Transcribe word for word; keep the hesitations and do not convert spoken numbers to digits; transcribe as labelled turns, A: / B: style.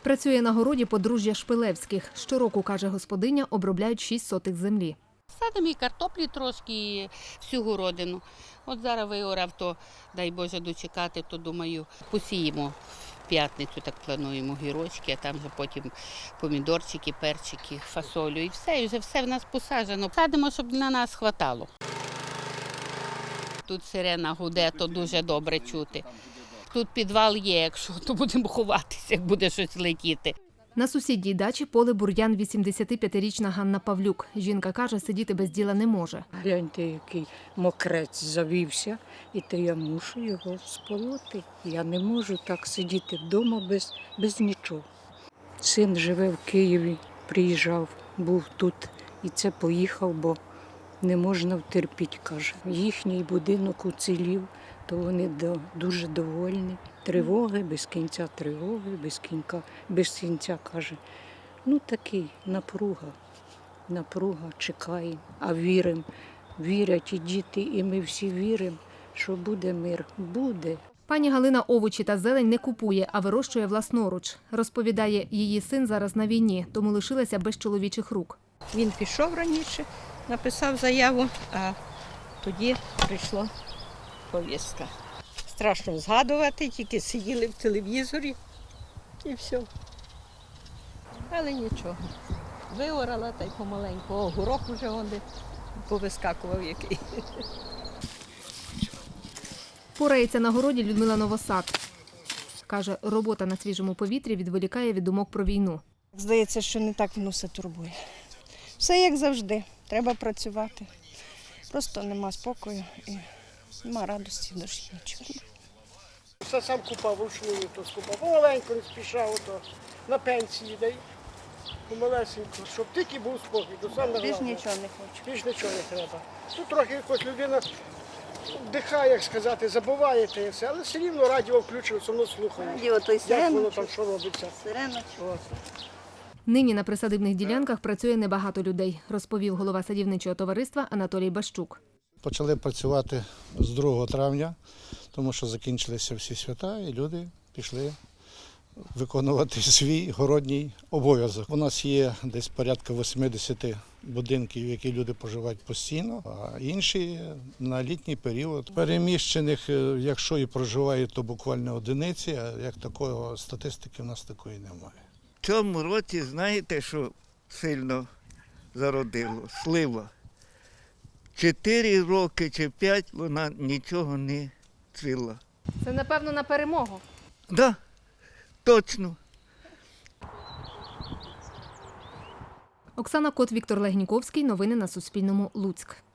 A: Працює на городі подружжя Шпилевських. Щороку, каже господиня, обробляють шість сотих землі.
B: Садимо і картоплі трошки, і всю городину. От зараз виорав, то, дай Боже, дочекати, то, думаю, посіємо в п'ятницю, так плануємо, гірочки, а там вже потім помідорчики, перчики, фасолю і все, і вже все в нас посаджено. Садимо, щоб на нас хватало. Тут сирена гуде, то дуже добре чути. Тут підвал є, якщо, то будемо ховатися, як буде щось летіти.
A: На сусідній дачі поле бур'ян вісімдесятип'ятирічна Ганна Павлюк. Жінка каже, сидіти без діла не може.
C: Гляньте, який мокрець завівся, і то я мушу його сполоти. Я не можу так сидіти вдома без, без нічого. Син живе в Києві, приїжджав, був тут і це поїхав, бо не можна втерпіти, каже. Їхній будинок уцілів, то вони дуже довольні. Тривоги, без кінця тривоги, без кінця, без кінця, каже. Ну такий, напруга, напруга, чекаємо, а віримо. Вірять і діти, і ми всі віримо, що буде мир. Буде.
A: Пані Галина овочі та зелень не купує, а вирощує власноруч. Розповідає, її син зараз на війні, тому лишилася без чоловічих рук.
D: Він пішов раніше, написав заяву, а тоді прийшла повістка. Страшно згадувати, тільки сиділи в телевізорі і все. Але нічого. Виорала та й помаленьку. О, горох вже онде повискакував який.
A: Порається на городі Людмила Новосад. Каже, робота на свіжому повітрі відволікає від думок про війну.
E: Здається, що не так воно все турбує. Все як завжди, треба працювати. Просто нема спокою і нема радості в душі, нічого.
F: Все сам купав, вручную то скупав. Помаленьку не спішав, то на пенсії дай. Помалесенько, щоб тільки був спокій. То саме
E: Більш
F: головне.
E: нічого не хочу.
F: Більш нічого не треба. Тут трохи якось людина вдихає, як сказати, забуває те все, але все рівно радіо включив, все одно слухає.
E: Радіо, то й
F: Як
E: сирена,
F: воно там, що робиться.
E: Сирена.
F: От.
A: Нині на присадибних ділянках працює небагато людей, розповів голова садівничого товариства Анатолій Бащук.
G: Почали працювати з другого травня, тому що закінчилися всі свята і люди пішли виконувати свій городній обов'язок. У нас є десь порядка вісімдесят будинків, які люди проживають постійно, а інші на літній період. Переміщених, якщо і проживають, то буквально одиниці, а як такого статистики в нас такої немає.
H: В цьому році, знаєте, що сильно зародило? Слива. Чотири роки чи п'ять вона нічого не цвіла.
A: Це, напевно, на перемогу.
H: Так, да, точно.
A: Оксана Кот, Віктор Легніковський. Новини на Суспільному. Луцьк.